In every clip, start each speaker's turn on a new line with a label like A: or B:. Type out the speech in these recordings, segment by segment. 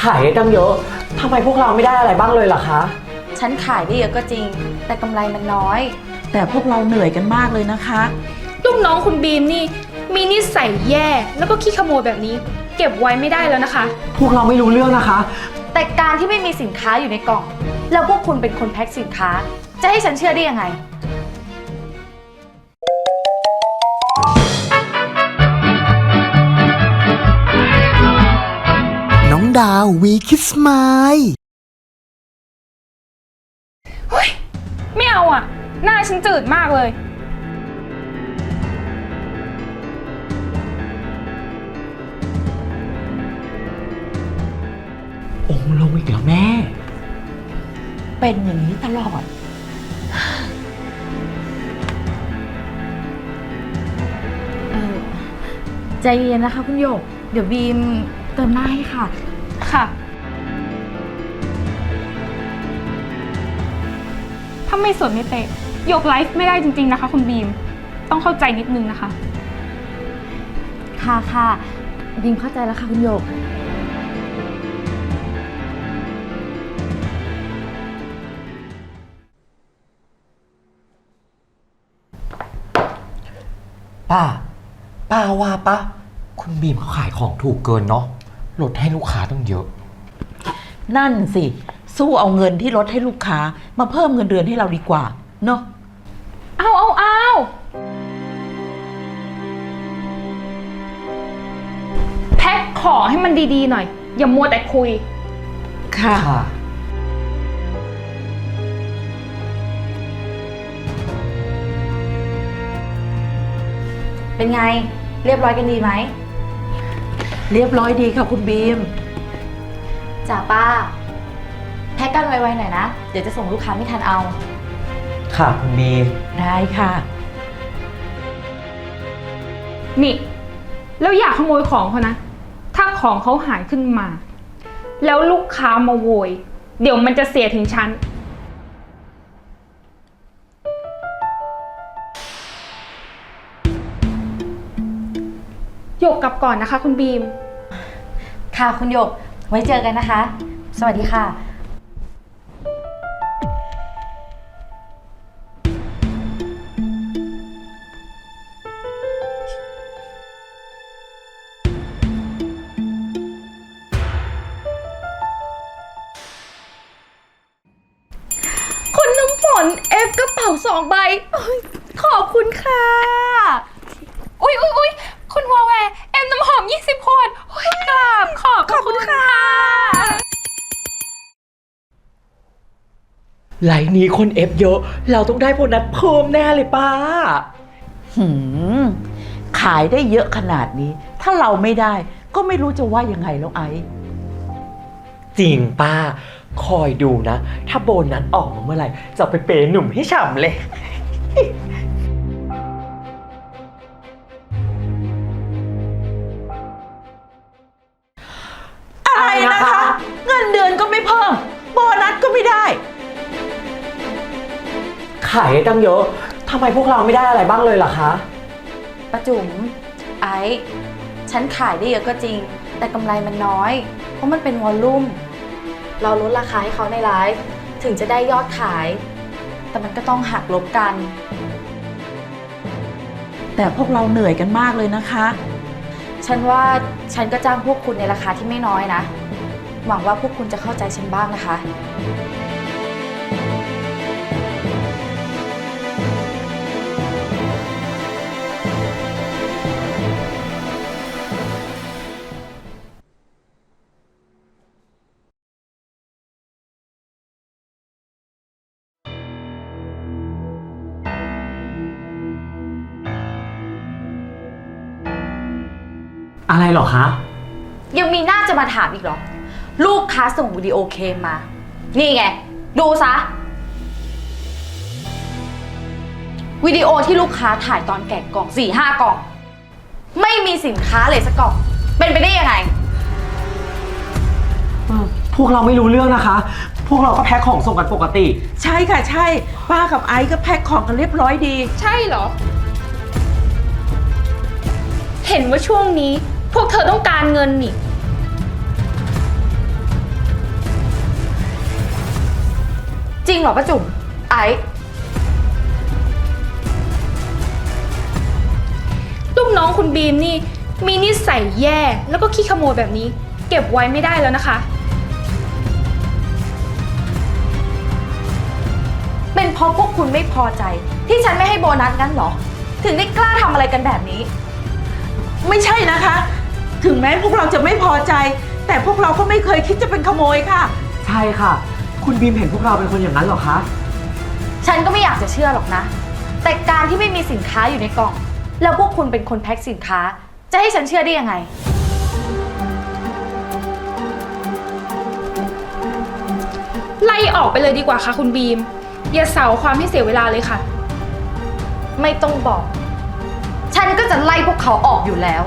A: ายได้ตั้งเยอะทำไมพวกเราไม่ได้อะไรบ้างเลยล่ะคะ
B: ฉันขายได้เยอะก็จริงแต่กำไรมันน้อย
C: แต่พวกเราเหนื่อยกันมากเลยนะคะ
D: ลูกน้องคุณบีมนี่มีนิสัยแย่แล้วก็ขี้ขโมยแบบนี้เก็บไว้ไม่ได้แล้วนะคะ
A: พวกเราไม่รู้เรื่องนะคะ
B: แต่การที่ไม่มีสินค้าอยู่ในกล่องแล้วพวกคุณเป็นคนแพ็คสินค้าจะให้ฉันเชื่อได้ยังไง
E: น้องดาววีคิสไมล์
D: เฮ้ยไม่เอาอ่ะหน้าฉันจืดมากเลย
A: องค์ลงอีกแล้วแม่
C: เป็นอย่างนี้ตลอด
B: ใจเย็นนะคะคุณหยกเดี๋ยวบีมเติมหน้าให้ค่ะ
D: ค่ะถ้าไม่สวยไม่เตะยกไลฟ์ไม่ได้จริงๆนะคะคุณบีมต้องเข้าใจนิดนึงนะคะ
B: ค่ะบีมเข้าใจแล้วค่ะคุณหยก
A: ป้าว่าปะคุณบีมเขาขายของถูกเกินเนาะลดให้ลูกค้าต้องเยอะ
C: นั่นสิสู้เอาเงินที่ลดให้ลูกค้ามาเพิ่มเงินเดือนให้เราดีกว่าเนาะ
D: เอาแพ็คของให้มันดีๆหน่อยอย่ามัวแต่คุย
C: ค่ะ
B: เป็นไงเรียบร้อยกันดีไหม
C: เรียบร้อยดีค่ะคุณบีม
B: จ่าป้าแพ็คกันไวๆหน่อยนะเดี๋ยวจะส่งลูกค้าไม่ทันเอา
A: ค่ะคุณบีม
C: ได้ค่ะ
D: นี่แล้วอย่าขโมยของเขานะถ้าของเขาหายขึ้นมาแล้วลูกค้ามาโวยเดี๋ยวมันจะเสียถึงฉันหยกกลับก่อนนะคะคุณบีม
B: ค่ะคุณหยกไว้เจอกันนะคะสวัสดีค่ะคุณน้ำฝนเอฟกระเป๋า2 ใบขอบคุณค่ะ
D: อุ๊ยคุณวาแวร์เอ็มน้ำหอม20 ขวดกราบขอบคุณค่ะ
A: ไลน์นี้คนเอฟเยอะเราต้องได้โบนัสเพิ่มแน่เลยป้า
C: ขายได้เยอะขนาดนี้ถ้าเราไม่ได้ก็ไม่รู้จะว่ายังไงแล้วไอ้
A: จริงป้าคอยดูนะถ้าโบนัสออกมาเมื่อไหร่จะไปเปย์หนุ่มให้ฉ่ำเลย
C: อะไรนะคะเงินเดือนก็ไม่เพิ่มโบนัสก็ไม่ได้
A: ขายได้ตั้งเยอะทำไมพวกเราไม่ได้อะไรบ้างเลยล่ะคะ
B: ป้าจุ๋มไอ้ฉันขายได้เยอะก็จริงแต่กำไรมันน้อยเพราะมันเป็นวอลลุ่มเราลดราคาให้เขาในไลฟ์ถึงจะได้ยอดขายแต่มันก็ต้องหักลบกัน
C: แต่พวกเราเหนื่อยกันมากเลยนะคะ
B: ฉันว่าฉันก็จ้างพวกคุณในราคาที่ไม่น้อยนะหวังว่าพวกคุณจะเข้าใจฉันบ้างนะคะ
A: อะไรหรอคะ
B: ยังมีหน้าจะมาถามอีกเหรอลูกค้าส่งวิดีโอเคมมานี่ไงดูซะวิดีโอที่ลูกค้าถ่ายตอนแกะกล่อง 4-5 กล่องไม่มีสินค้าเลยสักกล่องเป็นไปได้ยังไง
A: พวกเราไม่รู้เรื่องนะคะพวกเราก็แพ็คของส่งกันปกติ
C: ใช่ค่ะใช่ป้ากับไอซ์ก็แพ็คของกันเรียบร้อยดี
D: ใช่เหรอเห็นว่าช่วงนี้พวกเธอต้องการเงินนี่
B: จริงเหรอป้าจุ๋มไอซ์
D: ลูกน้องคุณบีมนี่มีนิสัยแย่แล้วก็ขี้ขโมยแบบนี้ เก็บไว้ไม่ได้แล้วนะคะ
B: เป็นเพราะพวกคุณไม่พอใจ ที่ฉันไม่ให้โบนัสงั้นเหรอ ถึงได้กล้าทำอะไรกันแบบนี้
C: ไม่ใช่นะคะ ถึงแม้พวกเราจะไม่พอใจ แต่พวกเราก็ไม่เคยคิดจะเป็นขโมยค่ะ
A: ใช่ค่ะ คุณบีมเห็นพวกเราเป็นคนอย่างนั้นเหรอคะ
B: ฉันก็ไม่อยากจะเชื่อหรอกนะ แต่การที่ไม่มีสินค้าอยู่ในกล่อง แล้วพวกคุณเป็นคนแพ็คสินค้า จะให้ฉันเชื่อได้ยังไง
D: ไล่ออกไปเลยดีกว่าค่ะคุณบีม อย่าเสาความให้เสียเวลาเลยค่ะ
B: ไม่ต้องบอก ฉันก็จะไล่พวกเขาออกอยู่แล้ว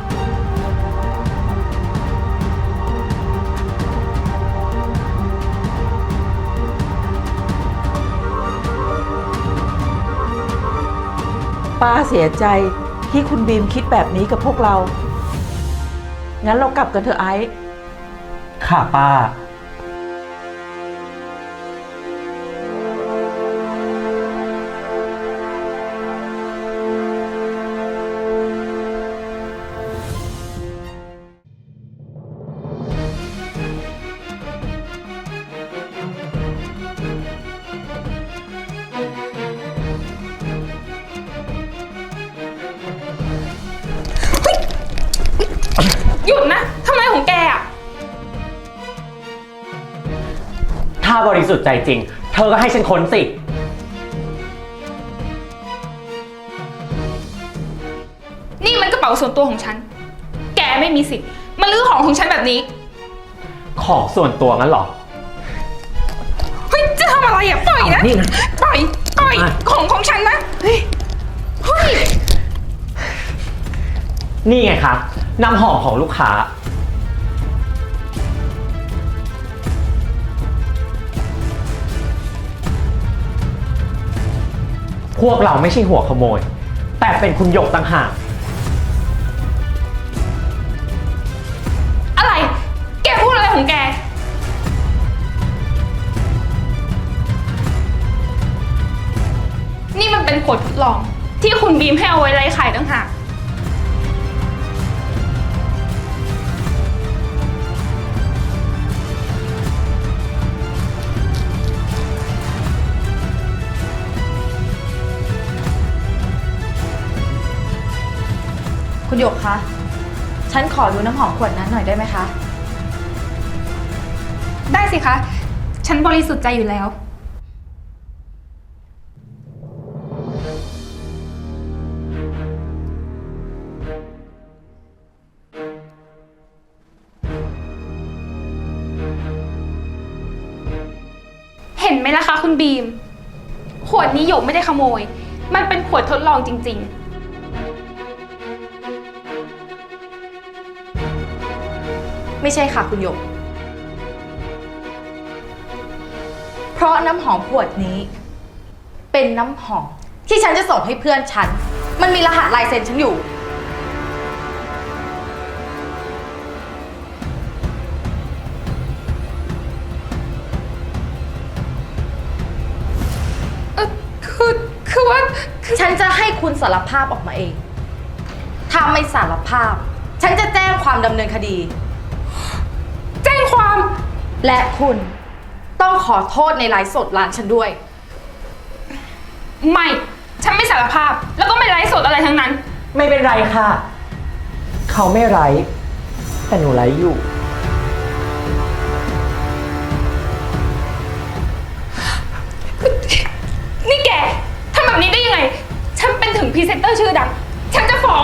C: ป้าเสียใจที่คุณบีมคิดแบบนี้กับพวกเรา งั้นเรากลับกันเถอะไอซ์
A: ค่ะป้า
D: หยุดนะทำไมของแกอะ
A: ถ้าบริสุทธิ์ใจจริง เธอก็ให้ฉันค้นสิ
D: นี่มันกระเป๋าส่วนตัวของฉัน แกไม่มีสิทธิ์มาลื้อของของฉันแบบนี้
A: ของส่วนตัวงั้นเหรอ
D: เฮ้ย จะทำอะไรอ่ะ ปล่อยนะ
A: นี่นะ
D: ปล่อย
A: อ่ะ
D: ของฉันนะ เฮ้ย เฮ้ย
A: นี่ไงคะน้ำหอมของลูกค้า พวกเราไม่ใช่หัวขโมย แต่เป็นคุณหยกต่างหาก
D: อะไร แกพูดอะไรของแก นี่มันเป็นขวดทดลอง ที่คุณบีมให้เอาไว้ไล่ไข่ต่างหาก
B: คุณหยกคะ ฉันขอดูน้ำหอมขวดนั้นหน่อยได้ไหมคะ
D: ได้สิคะ ฉันบริสุทธิ์ใจอยู่แล้ว เห็นไหมล่ะคะคุณบีม ขวดนี้หยกไม่ได้ขโมย มันเป็นขวดทดลองจริงๆ
B: ไม่ใช่ค่ะคุณหยก เพราะน้ำหอมขวดนี้ เป็นน้ำหอมที่ฉันจะส่งให้เพื่อนฉัน มันมีรหัสลายเซ็นฉันอยู่
D: คือว่า
B: ฉันจะให้คุณสารภาพออกมาเอง ถ้าไม่สารภาพ ฉันจะแจ้งความดำเนินคดี
D: แจ้งความ
B: และคุณต้องขอโทษในไลฟ์สดร้านฉันด้วย
D: ไม่ ฉันไม่สารภาพ แล้วก็ไม่ไลฟ์สดอะไรทั้งนั้น
A: ไม่เป็นไรค่ะ เขาไม่ไร้ แต่หนูไร้อยู่
D: นี่แกทำแบบนี้ได้ยังไง ฉันเป็นถึงพรีเซนเตอร์ชื่อดัง ฉันจะฟ้อง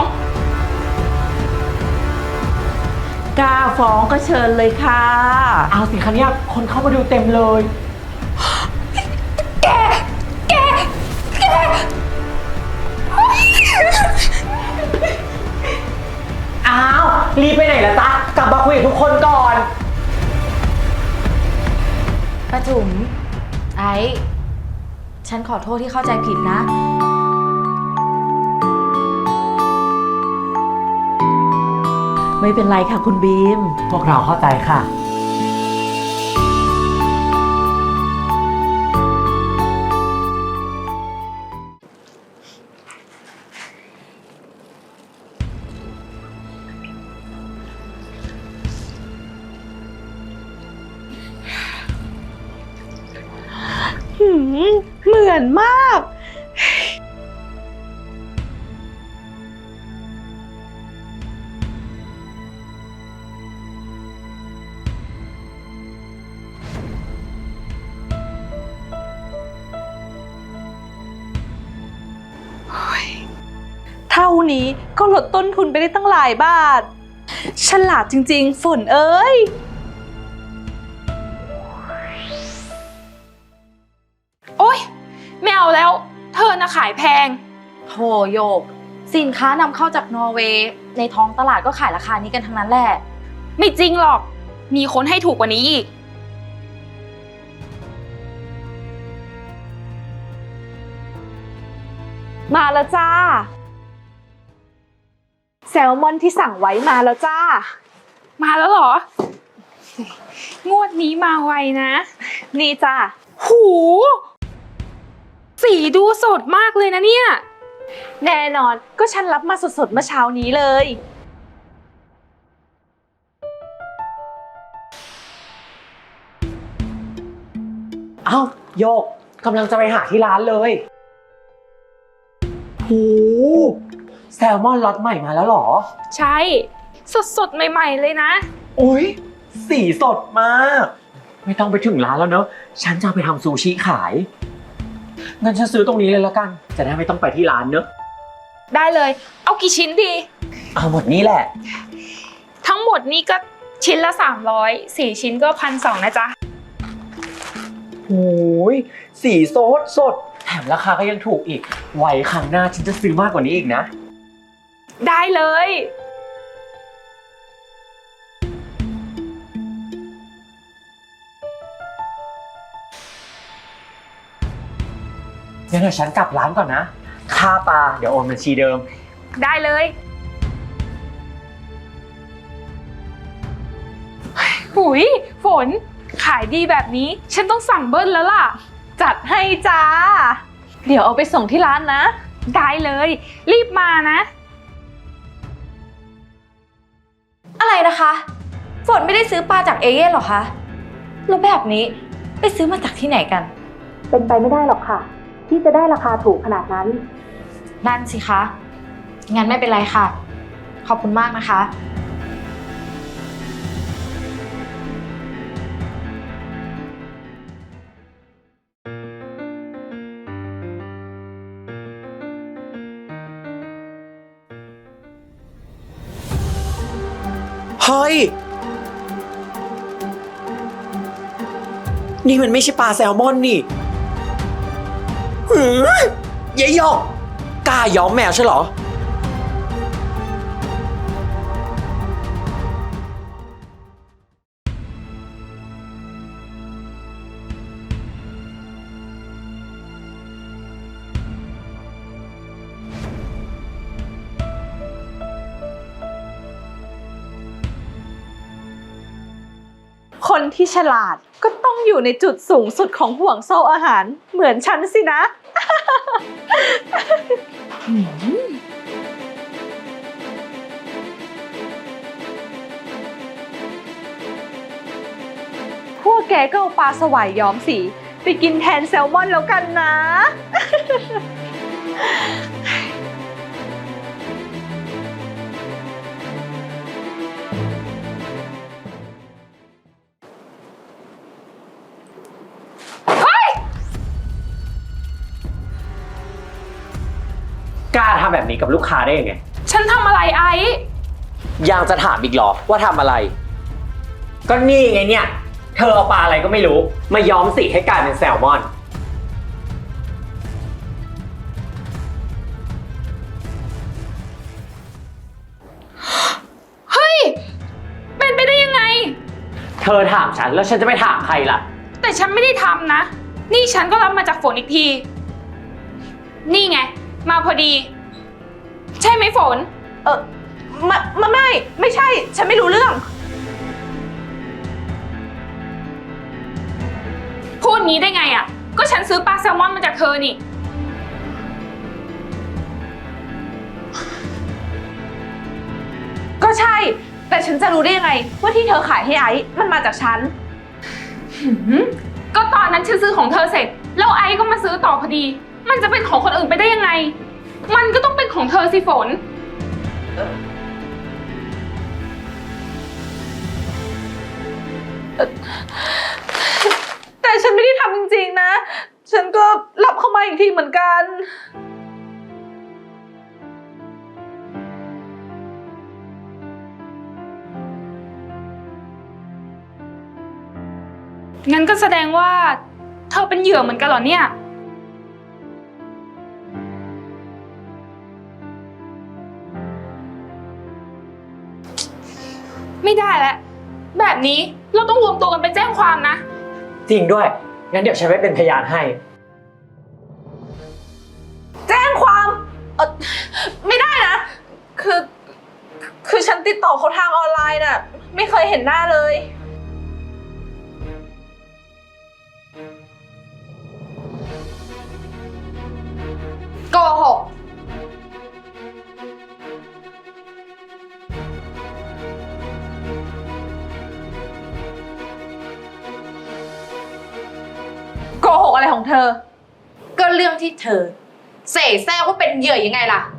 C: กล้าฟ้องก็เชิญเลยค่ะ
A: เอาสิคะเนี่ยคนเข้ามาดูเต็มเลย
D: แก
A: อ้าว รีบไปไหนล่ะจ๊ะ กลับมาคุยกับทุกคนก่อน
B: ป้าจุ๋มไอ้ ฉันขอโทษที่เข้าใจผิดนะ
C: ไม่เป็นไรค่ะคุณบีม
A: พวกเราเข้าใจค่ะ
F: เหมือนมาก เท่านี้ก็ลดต้นทุนไปได้ตั้งหลายบาท ฉลาดจริงๆ ฝนเอ้ย
D: โอ๊ยไม่เอาแล้ว เธอน่ะขายแพง
B: โถโยก สินค้านำเข้าจากนอร์เวย์ในท้องตลาดก็ขายราคานี้กันทั้งนั้นแหละ
D: ไม่จริงหรอก มีคนให้ถูกกว่านี้อีก
F: มาแล้วจ้า แซลมอนที่สั่งไว้มาแล้วจ้า
D: มาแล้วเหรอ งวดนี้มาไวนะ
F: นี่จ้า
D: หู สีดูสดมากเลยนะเนี่ย
F: แน่นอนก็ฉันรับมาสดๆเมื่อเช้านี้เลย
A: เอ้าโยกกำลังจะไปหาที่ร้านเลยโหแซลมอนล็อตใหม่มาแล้วเหรอ
D: ใช่ สดๆ ใหม่ๆ เลยนะ
A: โอ้ยสีสดมาก ไม่ต้องไปถึงร้านแล้วเนอะฉันจะเอาไปทำซูชิขายงั้นฉันซื้อตรงนี้เลยแล้วกัน จะได้ไม่ต้องไปที่ร้านเนอะ
D: ได้เลย เอากี่ชิ้นดี
A: เอาหมดนี้แหละ
D: ทั้งหมดนี่ก็ชิ้นละ300 4ชิ้นก็1,200นะจ๊ะ
A: โอ้ยสีสดสดแถมราคาก็ยังถูกอีก ไว้ครั้งหน้าฉันจะซื้อมากกว่านี้อีกนะ
D: ได้เลย
A: งั้นเดี๋ยวฉันกลับร้านก่อนนะ ค่าปลาเดี๋ยวโอนบัญชีเดิม
D: ได้เลยหุยฝน ขายดีแบบนี้ ฉันต้องสั่งเบิ้ลแล้วล่ะ
F: จัดให้จ้า เดี๋ยวเอาไปส่งที่ร้านนะ
D: ได้เลย รีบมานะ
B: อะไรนะคะ ฝนไม่ได้ซื้อปลาจากเอเย่นหรอคะ แล้วแบบนี้ไปซื้อมาจากที่ไหนกัน
G: เป็นไปไม่ได้หรอกค่ะ ที่จะได้ราคาถูกขนาดนั้น
B: นั่นสิคะ งั้นไม่เป็นไรค่ะ ขอบคุณมากนะคะ
A: เฮ้ย นี่มันไม่ใช่ปลาแซลมอนนี่หือยายหยอกกล้าย้อมแมวใช่เหรอ
F: คนที่ฉลาดก็ต้องอยู่ในจุดสูงสุดของห่วงโซ่อาหาร เหมือนฉันสินะ พวกแกก็เอาปลาสวายย้อมสี ไปกินแทนแซลมอนแล้วกันนะ
A: กล้าทำแบบนี้กับลูกค้าได้ยังไง
D: ฉันทำอะไรไอ้
A: ยังจะถามอีกเหรอว่าทำอะไร ก็นี่ไงเนี่ย เธอเอาปลาอะไรก็ไม่รู้ มาย้อมสีให้กลายเป็นแซลมอน
D: เฮ้ย เป็นไปได้ยังไง
A: เธอถามฉันแล้วฉันจะไปถามใครล่ะ
D: แต่ฉันไม่ได้ทำนะ นี่ฉันก็รับมาจากฝนอีกที นี่ไง มาพอดี ใช่ไหมฝน
F: ไม่ใช่ ฉันไม่รู้เรื่อง
D: พูดงี้ได้ไงอ่ะ ก็ฉันซื้อปลาแซลมอนมาจากเธอนี่
F: ก็ใช่ แต่ฉันจะรู้ได้ยังไงว่าที่เธอขายให้ไอซ์มันมาจากฉัน
D: ก็ตอนนั้นฉันซื้อของเธอเสร็จแล้วไอซ์ก็มาซื้อต่อพอดี มันจะเป็นของคนอื่นไปได้ยังไง มันก็ต้องเป็นของเธอสิฝน
F: แต่ฉันไม่ได้ทำจริงๆนะ ฉันก็รับเข้ามาอีกทีเหมือนกัน
D: งั้นก็แสดงว่าเธอเป็นเหยื่อเหมือนกันเหรอเนี่ย ไม่ได้แล้ว แบบนี้เราต้องรวมตัวกันไปแจ้งความนะ
A: จริงด้วย งั้นเดี๋ยวฉันไปเป็นพยานให้
F: แจ้งความไม่ได้นะ คือฉันติดต่อเขาทางออนไลน์น่ะ ไม่เคยเห็นหน้าเลย
B: โกหก
F: โกหกอะไรของเธอ
B: ก็เรื่องที่เธอเสแสร้งว่าเป็นเหยื่อยังไงล่ะ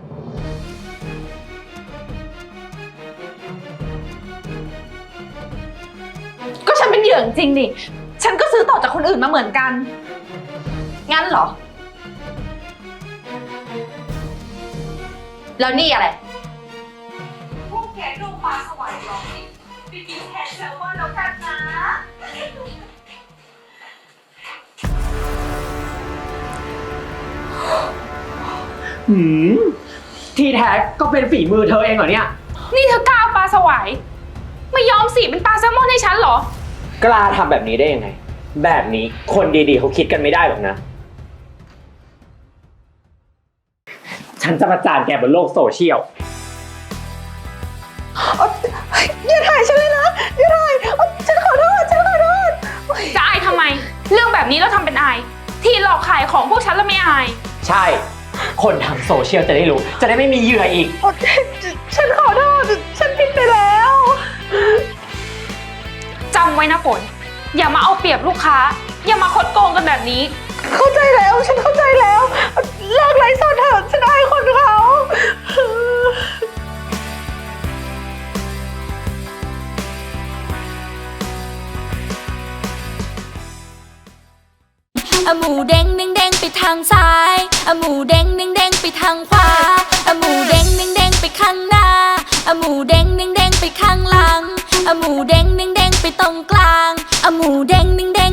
F: ก็ฉันเป็นเหยื่อจริงๆดิ ฉันก็ซื้อต่อจากคนอื่นมาเหมือนกัน
B: งั้นเหรอ แล้วนี่อะไร
F: พวกแกดูปลาสวายหรอไปกินแทนแซลมอนแล้วกันนะ
A: หืม ที่แท้ก็เป็นฝีมือเธอเองเหรอเนี่ย
D: นี่เธอกล้าเอาปลาสวาย ไม่ยอมสีเป็นปลาแซลมอนให้ฉันเหรอ
A: กล้าทำแบบนี้ได้ยังไง แบบนี้คนดีๆเขาคิดกันไม่ได้หรอกนะ ฉันจะประจานแกบนโลกโซเชียล
F: อย่าถ่ายฉันเลยนะ อย่าถ่ายฉันขอโทษ ฉันขอโทษ
D: จะอายทำไม เรื่องแบบนี้เราทำเป็นอาย ที่หลอกขายของพวกฉันแล้วไม่อาย
A: ใช่ คนทางโซเชียลจะได้รู้ จะได้ไม่มีเหยื่ออีก
F: ฉันขอโทษ ฉันผิดไปแล้ว
D: จำไว้นะฝน อย่ามาเอาเปรียบลูกค้า อย่ามาคดโกงกันแบบนี้
F: เข้าใจแล้ว ฉันเข้าใจแล้ว เลิกไลฟ์สดเถอะ ฉันอายคนเขา
H: อะหมูเด้งเด้งเด้งไปทางซ้ายอะหมูเด้งเด้งเด้งไปทางขวาอะหมูเด้งเด้งเด้งไปข้างหน้าอะหมูเด้งเด้งเด้งไปข้างหลังอะหมูเด้งเด้งเด้งไปตรงกลางอะหมูเด้งเด้งเด้ง